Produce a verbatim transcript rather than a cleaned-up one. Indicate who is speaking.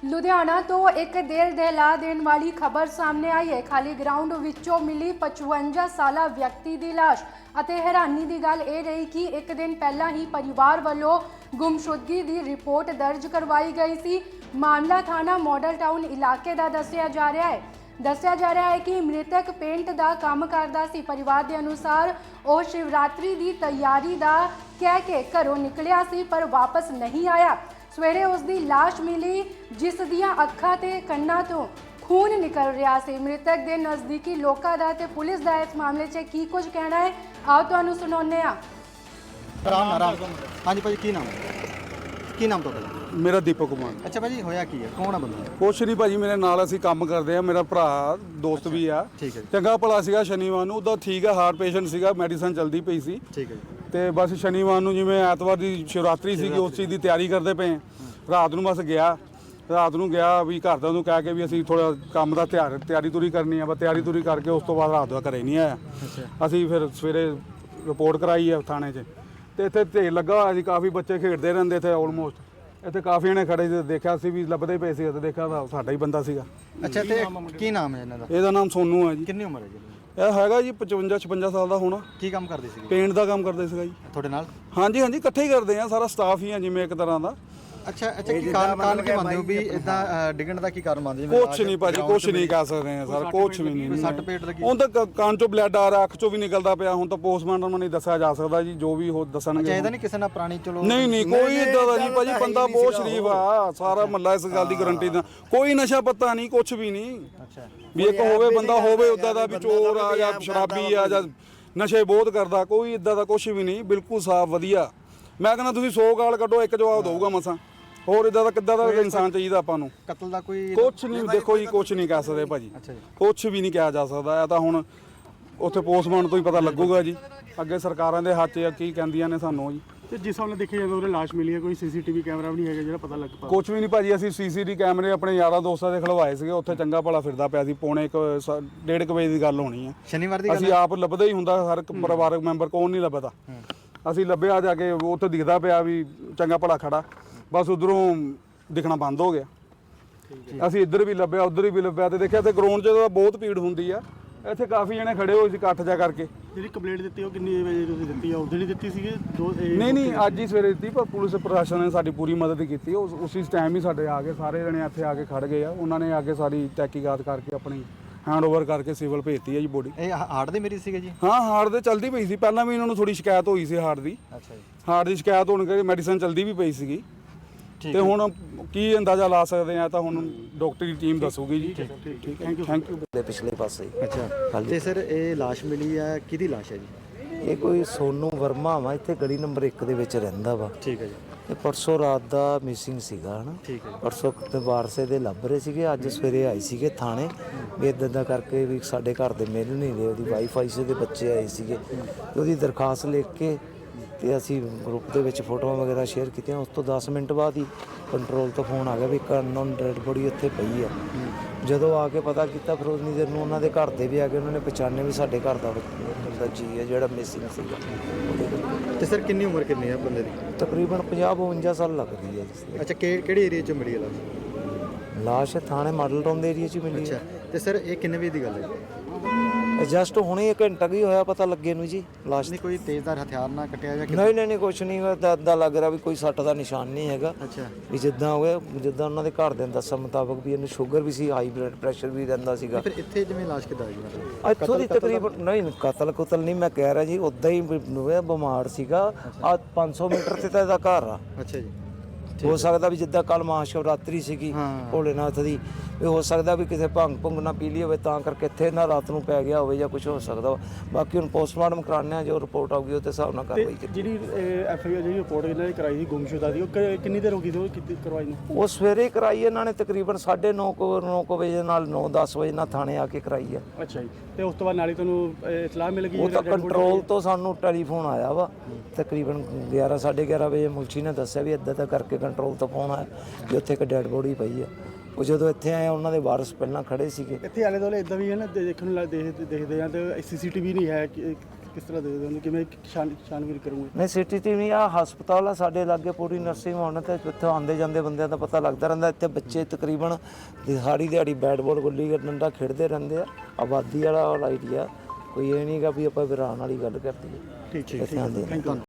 Speaker 1: ਲੁਧਿਆਣਾ ਤੋਂ ਇੱਕ ਦਿਲ ਦਹਿਲਾ ਦੇਣ ਵਾਲੀ ਖਬਰ ਸਾਹਮਣੇ ਆਈ ਹੈ। ਖਾਲੀ ਗਰਾਊਂਡ ਵਿੱਚੋਂ ਮਿਲੀ ਪਚਵੰਜਾ ਸਾਲਾ ਵਿਅਕਤੀ ਦੀ ਲਾਸ਼ ਅਤੇ ਹੈਰਾਨੀ ਦੀ ਗੱਲ ਇਹ ਰਹੀ ਕਿ ਇੱਕ ਦਿਨ ਪਹਿਲਾਂ ਹੀ ਪਰਿਵਾਰ ਵੱਲੋਂ ਗੁੰਮਸ਼ੁਦਗੀ ਦੀ ਰਿਪੋਰਟ ਦਰਜ ਕਰਵਾਈ ਗਈ ਸੀ। ਮਾਮਲਾ ਥਾਣਾ ਮਾਡਲ ਟਾਊਨ ਇਲਾਕੇ ਦਾ ਦੱਸਿਆ ਜਾ ਰਿਹਾ ਹੈ। ਦੱਸਿਆ ਜਾ ਰਿਹਾ ਹੈ ਕਿ ਮ੍ਰਿਤਕ ਪੇਂਟ ਦਾ ਕੰਮ ਕਰਦਾ ਸੀ। ਪਰਿਵਾਰ ਦੇ ਅਨੁਸਾਰ ਉਹ ਸ਼ਿਵਰਾਤਰੀ ਦੀ ਤਿਆਰੀ ਦਾ ਕਹਿ ਕੇ ਘਰੋਂ ਨਿਕਲਿਆ ਸੀ ਪਰ ਵਾਪਸ ਨਹੀਂ ਆਇਆ। ਸਵੇਰੇ ਉਸ ਦੀ ਲਾਸ਼ ਮਿਲੀ ਜਿਸ ਦੀਆਂ ਅੱਖਾਂ ਤੇ ਕੰਨਾਂ ਤੋਂ ਖੂਨ ਨਿਕਲ ਰਿਹਾ ਸੀ। ਮ੍ਰਿਤਕ ਦੇ ਨਜ਼ਦੀਕੀ ਲੋਕਾਂ ਦਾ ਤੇ ਪੁਲਿਸ ਦਾ ਇਸ ਮਾਮਲੇ 'ਚ ਕੀ ਕੁਝ ਕਹਿਣਾ ਹੈ ਆਓ ਤੁਹਾਨੂੰ ਸੁਣਾਉਂਦੇ ਹਾਂ।
Speaker 2: ਰਾਮ ਰਾਮ ਹਾਂਜੀ ਭਾਜੀ, ਕੀ ਨਾਮ ਕੀ ਨਾਮ ਤੁਹਾਡਾ?
Speaker 3: ਮੇਰਾ ਦੀਪਕ ਕੁਮਾਰ।
Speaker 2: ਅੱਛਾ ਭਾਜੀ, ਹੋਇਆ ਕੀ ਹੈ? ਕੌਣ ਆ ਬੰਦਾ?
Speaker 3: ਕੁਛ ਨਹੀਂ ਭਾਜੀ, ਮੇਰੇ ਨਾਲ ਅਸੀਂ ਕੰਮ ਕਰਦੇ ਆ। ਮੇਰਾ ਭਰਾ ਦੋਸਤ ਵੀ ਆ।
Speaker 2: ਠੀਕ ਹੈ,
Speaker 3: ਚੰਗਾ ਭਲਾ ਸੀਗਾ। ਸ਼ਨੀਵਾਰ ਨੂੰ ਉਹਦਾ ਠੀਕ ਹੈ, ਹਾਰਟ ਪੇਸ਼ੈਂਟ ਸੀਗਾ, ਮੈਡੀਸਨ ਚੱਲਦੀ ਪਈ ਸੀ।
Speaker 2: ਠੀਕ ਹੈ ਜੀ।
Speaker 3: ਤੇ ਬਸ ਸ਼ਨੀਵਾਰ ਨੂੰ ਜਿਵੇਂ ਐਤਵਾਰ ਦੀ ਸ਼ਿਵਰਾਤਰੀ ਸੀਗੀ ਉਸ ਚੀਜ਼ ਦੀ ਤਿਆਰੀ ਕਰਦੇ ਪਏ। ਰਾਤ ਨੂੰ ਬਸ ਗਿਆ ਰਾਤ ਨੂੰ ਗਿਆ ਵੀ ਘਰਦਿਆਂ ਨੂੰ ਕਹਿ ਕੇ ਵੀ ਅਸੀਂ ਥੋੜਾ ਕੰਮ ਦਾ ਤਿਆਰ ਤਿਆਰੀ ਤੁਰੀ ਕਰਨੀ ਆ। ਬਸ ਤਿਆਰੀ ਤੁਰੀ ਕਰਕੇ ਉਸ ਤੋਂ ਬਾਅਦ ਰਾਤ ਦਾ ਘਰੇ ਨਹੀਂ ਆਇਆ। ਅਸੀਂ ਫਿਰ ਸਵੇਰੇ ਰਿਪੋਰਟ ਕਰਾਈ ਆ ਥਾਣੇ 'ਚ ਤੇ ਇੱਥੇ ਢੇਰ ਲੱਗਾ ਹੋਇਆ ਸੀ। ਕਾਫੀ ਬੱਚੇ ਖੇਡਦੇ ਰਹਿੰਦੇ ਇੱਥੇ। ਆਲਮੋਸਟ ਇੱਥੇ ਕਾਫੀ ਜਣੇ ਖੜੇ ਸੀ। ਦੇਖਿਆ ਸੀ ਵੀ ਲੱਭਦੇ ਪਏ ਸੀ ਤੇ ਦੇਖਿਆ ਤਾਂ ਸਾਡਾ ਹੀ ਬੰਦਾ ਸੀਗਾ।
Speaker 2: ਅੱਛਾ, ਤੇ ਕੀ ਨਾਮ ਹੈ ਇਹਨਾਂ ਦਾ?
Speaker 3: ਇਹਦਾ ਨਾਮ ਸੋਨੂ ਹੈ ਜੀ।
Speaker 2: ਕਿੰਨੀ ਉਮਰ ਹੈ ਜੀ?
Speaker 3: ਇਹ ਹੈਗਾ ਜੀ ਪਚਵੰਜਾ ਛਪੰਜਾ ਸਾਲ ਦਾ ਹੋਣਾ।
Speaker 2: ਕੀ ਕੰਮ ਕਰਦੇ ਸੀ?
Speaker 3: ਪੇਂਟ ਦਾ ਕੰਮ ਕਰਦੇ ਸੀਗਾ ਜੀ।
Speaker 2: ਤੁਹਾਡੇ ਨਾਲ?
Speaker 3: ਹਾਂਜੀ ਹਾਂਜੀ, ਇਕੱਠੇ ਹੀ ਕਰਦੇ ਆ। ਸਾਰਾ ਸਟਾਫ ਹੀ ਆ ਜਿਵੇਂ ਇੱਕ ਤਰ੍ਹਾਂ ਦਾ।
Speaker 2: ਅੱਛਾ ਅੱਛਾ, ਕੀ ਕਾਰਨ ਕਾਰਨ ਕੀ ਮੰਨਦੇ ਹੋ ਵੀ ਇਦਾਂ ਡਿੱਗਣ ਦਾ ਕੀ ਕਾਰਨ ਮੰਨਦੇ ਹੋ?
Speaker 3: ਕੁਛ ਨਹੀਂ ਭਾਜੀ, ਕੁਛ ਨਹੀਂ ਕਹਿ ਸਕਦੇ ਆ ਸਰ। ਕੁਛ ਵੀ ਨਹੀਂ।
Speaker 2: ਸੱਟ ਪੇਟ ਲੱਗੀ?
Speaker 3: ਹੁਣ ਤਾਂ ਕੰਨ ਚੋਂ ਬਲੱਡ ਆ ਰਿਹਾ, ਅੱਖ ਚੋਂ ਵੀ ਨਿਕਲਦਾ ਪਿਆ। ਹੁਣ ਤਾਂ ਪੋਸਟਮਾਰਟਮ ਨਹੀਂ ਦੱਸਿਆ ਜਾ ਸਕਦਾ ਜੀ, ਜੋ ਵੀ ਉਹ ਦੱਸਣਗੇ।
Speaker 2: ਚਾਹੀਦਾ ਨਹੀਂ ਕਿਸੇ ਨਾਲ ਪੁਰਾਣੀ? ਚਲੋ
Speaker 3: ਨਹੀਂ ਨਹੀਂ, ਕੋਈ ਇਦਾਂ ਦਾ ਨਹੀਂ ਭਾਜੀ। ਬੰਦਾ ਬਹੁਤ ਸ਼ਰੀਫ ਆ। ਸਾਰਾ ਮਹੱਲਾ ਇਸ ਗੱਲ ਦੀ ਗਾਰੰਟੀ ਦਾ। ਕੋਈ ਨਸ਼ਾ ਪੱਤਾ ਨਹੀਂ, ਕੁਛ ਵੀ ਨਹੀਂ।
Speaker 2: ਅੱਛਾ,
Speaker 3: ਵੀ ਇੱਕ ਹੋਵੇ ਬੰਦਾ ਹੋਵੇ ਉਦਾਂ ਦਾ ਵੀ ਚੋਰ ਆ ਜਾਂ ਸ਼ਰਾਬੀ ਆ ਜਾਂ ਨਸ਼ੇ ਬਹੁਤ ਕਰਦਾ, ਕੋਈ ਇਦਾਂ ਦਾ ਕੁਛ ਵੀ ਨਹੀਂ। ਬਿਲਕੁਲ ਸਾਫ਼ ਵਧੀਆ। ਮੈਂ ਕਹਿੰਦਾ ਤੁਸੀਂ ਸੌ ਗਾਲ ਕੱਢੋ, ਇੱਕ ਜਵਾਬ ਦਊਗਾ ਮਸਾਂ। ਹੋਰ ਇਦਾਂ ਦਾ ਕਿੱਦਾਂ ਦਾ ਇਨਸਾਨ ਚਾਹੀਦਾ ਆਪਾਂ ਨੂੰ?
Speaker 2: ਕਤਲ ਦਾ ਕੋਈ
Speaker 3: ਕੁਛ ਨਹੀਂ। ਦੇਖੋ ਜੀ, ਕੁਛ ਨਹੀਂ ਕਹਿ ਸਕਦੇ ਭਾਜੀ।
Speaker 2: ਅੱਛਾ ਜੀ,
Speaker 3: ਕੁਛ ਵੀ ਨਹੀਂ ਕਿਹਾ ਜਾ ਸਕਦਾ। ਇਹ ਤਾਂ ਹੁਣ ਉੱਥੇ ਪੋਸਟਮਾਰਟਮ ਤੋਂ ਹੀ ਪਤਾ ਲੱਗੂਗਾ ਜੀ। ਅੱਗੇ ਸਰਕਾਰਾਂ ਦੇ ਹੱਥ 'ਚ ਕੀ ਕਹਿੰਦੀਆਂ ਨੇ ਸਾਨੂੰ ਜੀ।
Speaker 4: ਤੇ ਜਿਸ ਹਿਸਾਬ ਨਾਲ ਦੇਖਿਆ ਜਾਂਦਾ ਉਹਦੇ ਲਾਸ਼ ਮਿਲੀ ਹੈ, ਕੋਈ ਸੀਸੀਟੀਵੀ ਕੈਮਰਾ ਵੀ ਨਹੀਂ ਹੈਗਾ ਜਿਹੜਾ ਪਤਾ ਲੱਗ ਪਾ?
Speaker 3: ਕੁਛ ਵੀ ਨਹੀਂ ਭਾਜੀ। ਅਸੀਂ ਸੀਸੀਟੀਵੀ ਕੈਮਰੇ ਆਪਣੇ ਯਾਰਾਂ ਦੋਸਤਾਂ ਦੇ ਖਲਵਾਏ ਸੀਗੇ। ਉੱਥੇ ਚੰਗਾ ਭਲਾ ਫਿਰਦਾ ਪਿਆ ਸੀ। ਪੌਣੇ ਇੱਕ ਡੇਢ ਕੁ ਵਜੇ ਦੀ ਗੱਲ ਹੋਣੀ ਆ।
Speaker 2: ਸ਼ਨੀਵਾਰ ਦੀ ਗੱਲ?
Speaker 3: ਅਸੀਂ ਆਪ ਲੱਭਦੇ ਹੀ ਹੁੰਦਾ। ਹਰ ਇੱਕ ਪਰਿਵਾਰਕ ਮੈਂਬਰ ਕੌਣ ਨਹੀਂ ਲੱਭਦਾ। ਅਸੀਂ ਲੱਭਿਆ ਜਾ ਕੇ, ਉੱਥੇ ਦਿਖਦਾ ਪਿਆ ਵੀ ਚੰਗਾ ਭਲਾ ਖੜਾ। ਬਸ ਉਧਰੋਂ ਦਿਖਣਾ ਬੰਦ ਹੋ ਗਿਆ। ਅਸੀਂ ਇੱਧਰ ਵੀ ਲੱਭਿਆ, ਉੱਧਰ ਵੀ ਲੱਭਿਆ ਤੇ ਦੇਖਿਆ ਤੇ ਗਰਾਊਂਡ 'ਚ ਤਾਂ ਬਹੁਤ ਭੀੜ ਹੁੰਦੀ ਆ। ਇੱਥੇ ਕਾਫੀ ਜਣੇ ਖੜੇ ਹੋਏ ਸੀ ਇਕੱਠ ਜਾ ਕਰਕੇ।
Speaker 4: ਜਿਹੜੀ ਕੰਪਲੇਂਟ ਦਿੱਤੀ ਉਹ ਕਿੰਨੀ ਵਜੇ ਤੁਸੀਂ ਦਿੱਤੀ ਆ? ਉਦੋਂ ਹੀ ਦਿੱਤੀ ਸੀਗੀ? ਦੋ
Speaker 3: ਨਹੀਂ ਨਹੀਂ, ਅੱਜ ਹੀ ਸਵੇਰੇ ਦਿੱਤੀ। ਪਰ ਪੁਲਿਸ ਪ੍ਰਸ਼ਾਸਨ ਨੇ ਸਾਡੀ ਪੂਰੀ ਮਦਦ ਕੀਤੀ। ਉਸ ਉਸੇ ਟਾਈਮ ਹੀ ਸਾਡੇ ਆ ਕੇ ਸਾਰੇ ਜਣੇ ਇੱਥੇ ਆ ਕੇ ਖੜ ਗਏ ਆ। ਉਹਨਾਂ ਨੇ ਆ ਕੇ ਸਾਰੀ ਤਹਿਕੀਕਾਤ ਕਰਕੇ ਆਪਣੀ ਹੈਂਡ ਓਵਰ ਕਰਕੇ ਸਿਵਲ ਭੇਜਤੀ ਹੈ ਜੀ ਬੋਡੀ।
Speaker 2: ਇਹ ਹਾਰਟ ਦੇ ਮਰੀਜ਼ ਸੀਗੇ ਜੀ?
Speaker 3: ਹਾਂ, ਹਾਰਟ ਦੇ ਚਲਦੀ ਪਈ ਸੀ। ਪਹਿਲਾਂ ਵੀ ਇਹਨਾਂ ਨੂੰ ਥੋੜੀ ਸ਼ਿਕਾਇਤ ਹੋਈ ਸੀ ਹਾਰਟ ਦੀ।
Speaker 2: ਅੱਛਾ ਜੀ,
Speaker 3: ਹਾਰਟ ਦੀ ਸ਼ਿਕਾਇਤ ਹੋਣ ਕਰਕੇ ਮੈਡੀਸਨ ਚਲਦੀ ਵੀ ਪਈ ਸੀਗੀ। ਤੇ ਹੁਣ ਕੀ ਅੰਦਾਜ਼ਾ ਲਾ ਸਕਦੇ ਆ ਤਾਂ ਹੁਣ ਡਾਕਟਰੀ ਟੀਮ ਦੱਸੂਗੀ ਜੀ। ਠੀਕ ਹੈ, ਥੈਂਕ ਯੂ ਥੈਂਕ ਯੂ।
Speaker 5: ਦੇ ਪਿਛਲੇ ਪਾਸੇ।
Speaker 2: ਅੱਛਾ, ਤੇ ਸਰ ਇਹ ਲਾਸ਼ ਮਿਲੀ ਹੈ, ਕਿਹਦੀ ਲਾਸ਼ ਹੈ ਜੀ?
Speaker 5: ਇਹ ਕੋਈ ਸੋਨੂ ਵਰਮਾ ਵਾ, ਇੱਥੇ ਗਲੀ ਨੰਬਰ ਇੱਕ ਦੇ ਵਿੱਚ ਰਹਿੰਦਾ ਵਾ।
Speaker 2: ਠੀਕ ਹੈ ਜੀ।
Speaker 5: ਇਹ ਪਰਸੋਂ ਰਾਤ ਦਾ ਮਿਸਿੰਗ ਸੀਗਾ ਹਨਾ।
Speaker 2: ਠੀਕ ਹੈ।
Speaker 5: ਪਰਸੋਂ ਤੇ ਵਾਰਸੇ ਦੇ ਲੱਭ ਰਹੇ ਸੀਗੇ। ਅੱਜ ਸਵੇਰੇ ਆਏ ਸੀਗੇ ਥਾਣੇ ਵੀ ਇੱਦਾਂ ਦਾ ਕਰਕੇ ਵੀ ਸਾਡੇ ਘਰ ਦੇ ਮਿਲ ਨਹੀਂ ਰਹੇ। ਉਹਦੀ ਵਾਈਫ ਆਈ ਸੀ, ਉਹਦੇ ਬੱਚੇ ਆਏ ਸੀਗੇ ਤੇ ਉਹਦੀ ਦਰਖਾਸਤ ਲਿਖ ਕੇ ਤੇ ਅਸੀਂ ਗਰੁੱਪ ਦੇ ਵਿੱਚ ਫੋਟੋਆਂ ਵਗੈਰਾ ਸ਼ੇਅਰ ਕੀਤੀਆਂ। ਉਸ ਤੋਂ ਦਸ ਮਿੰਟ ਬਾਅਦ ਹੀ ਕੰਟਰੋਲ ਤੋਂ ਫੋਨ ਆ ਗਿਆ ਵੀ ਇੱਕ ਅਨਨੋਨ ਡੈਡ ਬੋਡੀ ਉੱਥੇ ਪਈ ਆ। ਜਦੋਂ ਆ ਕੇ ਪਤਾ ਕੀਤਾ ਫਿਰ ਉਨੀ ਦੇਰ ਨੂੰ ਉਹਨਾਂ ਦੇ ਘਰ ਦੇ ਵੀ ਆ ਗਏ। ਉਹਨਾਂ ਨੇ ਪਛਾਣਿਆ ਵੀ ਸਾਡੇ ਘਰ ਦਾ ਬੰਦਾ ਜੀ ਹੈ ਜਿਹੜਾ ਮਿਸਿੰਗ ਸੀਗਾ।
Speaker 2: ਤੇ ਸਰ ਕਿੰਨੀ ਉਮਰ ਕਿੰਨੀ ਹੈ ਬੰਦੇ ਦੀ?
Speaker 5: ਤਕਰੀਬਨ ਪੰਜਾਹ ਬਵੰਜਾ ਸਾਲ ਲੱਗਦੀ ਹੈ ਜੀ।
Speaker 2: ਅੱਛਾ, ਕਿਹੜੇ ਏਰੀਆ 'ਚ ਮਿਲੀ ਹੈ ਲਾਸ਼?
Speaker 5: ਲਾਸ਼ ਥਾਣੇ ਮਾਡਲ ਟਾਊਨ ਦੇ ਏਰੀਆ 'ਚ ਮਿਲੀ
Speaker 2: ਅੱਛਾ, ਤੇ ਸਰ ਇਹ ਕਿੰਨੇ ਵਜੇ ਦੀ ਗੱਲ ਹੈ?
Speaker 5: ਜਸਟ ਹੁਣੇ ਇੱਕ ਘੰਟਾ ਵੀ ਹੋਇਆ ਪਤਾ ਲੱਗੇ ਨੂੰ ਜੀ। ਲਾਸ਼
Speaker 2: ਨਹੀਂ ਕੋਈ ਤੇਜ਼ਧਾਰ ਹਥਿਆਰ ਨਾਲ ਕੱਟਿਆ ਜਾਂ?
Speaker 5: ਨਹੀਂ ਨਹੀਂ ਨਹੀਂ, ਕੁਛ ਨਹੀਂ। ਇੱਦਾਂ ਲੱਗ ਰਿਹਾ ਵੀ ਕੋਈ ਸੱਟ ਦਾ ਨਿਸ਼ਾਨ ਨਹੀਂ ਹੈਗਾ।
Speaker 2: ਅੱਛਾ,
Speaker 5: ਵੀ ਜਿੱਦਾਂ ਹੋਇਆ ਜਿੱਦਾਂ ਉਹਨਾਂ ਦੇ ਘਰ ਦੇ ਦੱਸਣ ਮੁਤਾਬਕ ਵੀ ਇਹਨੂੰ ਸ਼ੂਗਰ ਵੀ ਸੀ, ਹਾਈ ਬਲੱਡ ਪ੍ਰੈਸ਼ਰ ਵੀ ਰਹਿੰਦਾ ਸੀਗਾ।
Speaker 2: ਫਿਰ ਇੱਥੇ ਜਿਵੇਂ ਲਾਸ਼ ਕਿੱਦਾਂ ਆਈ ਮਤਲਬ?
Speaker 5: ਇੱਥੋਂ ਦੀ ਤਕਰੀਬਨ ਨਹੀਂ ਕਤਲ ਕੁਤਲ ਨਹੀਂ ਮੈਂ ਕਹਿ ਰਿਹਾ ਜੀ। ਉੱਦਾਂ ਹੀ ਬਿਮਾਰ ਸੀਗਾ। ਆ ਪੰਜ ਸੌ ਮੀਟਰ ਤੇ ਤਾਂ ਇਹਦਾ ਘਰ ਆ।
Speaker 2: ਅੱਛਾ ਜੀ,
Speaker 5: ਹੋ ਸਕਦਾ ਵੀ ਜਿੱਦਾਂ ਕੱਲ ਮਹਾਸ਼ਿਵਰਾਤਰੀ ਸੀਗੀ ਭੋਲੇਨਾਥ ਦੀ, ਵੀ ਹੋ ਸਕਦਾ ਵੀ ਕਿਸੇ ਭੰਗ ਭੁੰਗ ਨਾ ਪੀ ਲਈ ਹੋਵੇ ਤਾਂ ਕਰਕੇ ਇੱਥੇ ਨਾ ਰਾਤ ਨੂੰ ਪੈ ਗਿਆ ਹੋਵੇ ਜਾਂ ਕੁਝ ਹੋ ਸਕਦਾ। ਬਾਕੀ ਹੁਣ ਪੋਸਟਮਾਰਟਮ ਕਰਾਉਂਦੇ ਆ, ਜੋ ਰਿਪੋਰਟ ਆਊਗੀ ਉਹਦੇ ਹਿਸਾਬ ਨਾਲ ਕਾਰਵਾਈ ਕੀਤੀ।
Speaker 4: ਜਿਹੜੀ ਐਫ ਆਈ ਆਰ ਜਿਹੜੀ ਰਿਪੋਰਟ ਇਹਨਾਂ ਨੇ ਕਰਾਈ ਸੀ ਗੁੰਮਸ਼ੁਦਾ ਦੀ, ਉਹ ਕਿੰਨੀ ਦੇਰ ਹੋ ਗਈ ਸੀ ਉਹ ਕੀਤੀ ਕਰਵਾਈ ਨੂੰ?
Speaker 5: ਉਹ ਸਵੇਰੇ ਕਰਾਈ ਇਹਨਾਂ ਨੇ ਤਕਰੀਬਨ ਸਾਢੇ ਨੌ ਕੁ ਨੌ ਕੁ ਵਜੇ ਨਾਲ ਨੌ ਦਸ ਵਜੇ ਨਾਲ ਥਾਣੇ ਆ ਕੇ ਕਰਾਈ ਆ।
Speaker 4: ਅੱਛਾ ਜੀ, ਤੇ ਉਸ ਤੋਂ ਬਾਅਦ ਨਾਲੇ ਤੁਹਾਨੂੰ ਇਤਲਾਹ ਮਿਲ ਗਈ?
Speaker 5: ਉਹ ਤਾਂ ਕੰਟਰੋਲ ਤੋਂ ਸਾਨੂੰ ਟੈਲੀਫੋਨ ਆਇਆ ਵਾ ਤਕਰੀਬਨ ਗਿਆਰਾਂ ਸਾਢੇ ਗਿਆਰਾਂ ਵਜੇ। ਮੁਲਸ਼ੀ ਨੇ ਦੱਸਿਆ ਵੀ ਇੱਦਾਂ ਦਾ ਕਰਕੇ ਕੰਟਰੋਲ ਤੋਂ ਫੋਨ ਆਇਆ ਵੀ ਉੱਥੇ ਇੱਕ ਡੈਡ ਬੋਡੀ ਪਈ ਆ। ਉਹ ਜਦੋਂ ਇੱਥੇ ਆਏ ਉਹਨਾਂ ਦੇ ਵਾਰਸ ਪਹਿਲਾਂ ਖੜੇ ਸੀਗੇ।
Speaker 4: ਇੱਥੇ ਆਲੇ ਦੁਆਲੇ ਇਦਾਂ ਵੀ ਹੈ ਨਾ ਦੇਖਣ ਨੂੰ ਦੇਖਦੇ ਦੇਖਦੇ ਆ ਤੇ ਸੀ ਸੀ ਟੀ ਵੀ ਨਹੀਂ ਹੈ ਕਿਸ ਤਰ੍ਹਾਂ ਦੇਖਦੇ ਹੋ ਕਿਵੇਂ ਛਾਨ ਛਾਨਬੀਨ ਕਰੋਗੇ?
Speaker 5: ਨਹੀਂ ਸਿਟੀ ਟੀਮ ਨਹੀਂ, ਆ ਹਸਪਤਾਲ ਆ ਸਾਡੇ ਲਾਗੇ ਪੂਰੀ ਨਰਸਿੰਗ ਹੋਣ ਤੇ ਇੱਥੇ ਆਉਂਦੇ ਜਾਂਦੇ ਬੰਦਿਆਂ ਦਾ ਪਤਾ ਲੱਗਦਾ ਰਹਿੰਦਾ। ਇੱਥੇ ਬੱਚੇ ਤਕਰੀਬਨ ਦਿਹਾੜੀ ਦਿਹਾੜੀ ਬੈਟ ਬਾਲ ਗੁੱਲੀ ਡੰਡਾ ਖੇਡਦੇ ਰਹਿੰਦੇ ਆ। ਆਬਾਦੀ ਵਾਲਾ ਏਰੀਆ, ਕੋਈ ਇਹ ਨਹੀਂਗਾ ਵੀ ਆਪਾਂ ਵਿਰਾਨ ਵਾਲੀ ਗੱਲ ਕਰਦੀ ਹੈ।
Speaker 4: ਠੀਕ ਹੈ,
Speaker 5: ਇੱਥੇ ਆਉਂਦੇ ਨੇ।
Speaker 4: Thank you.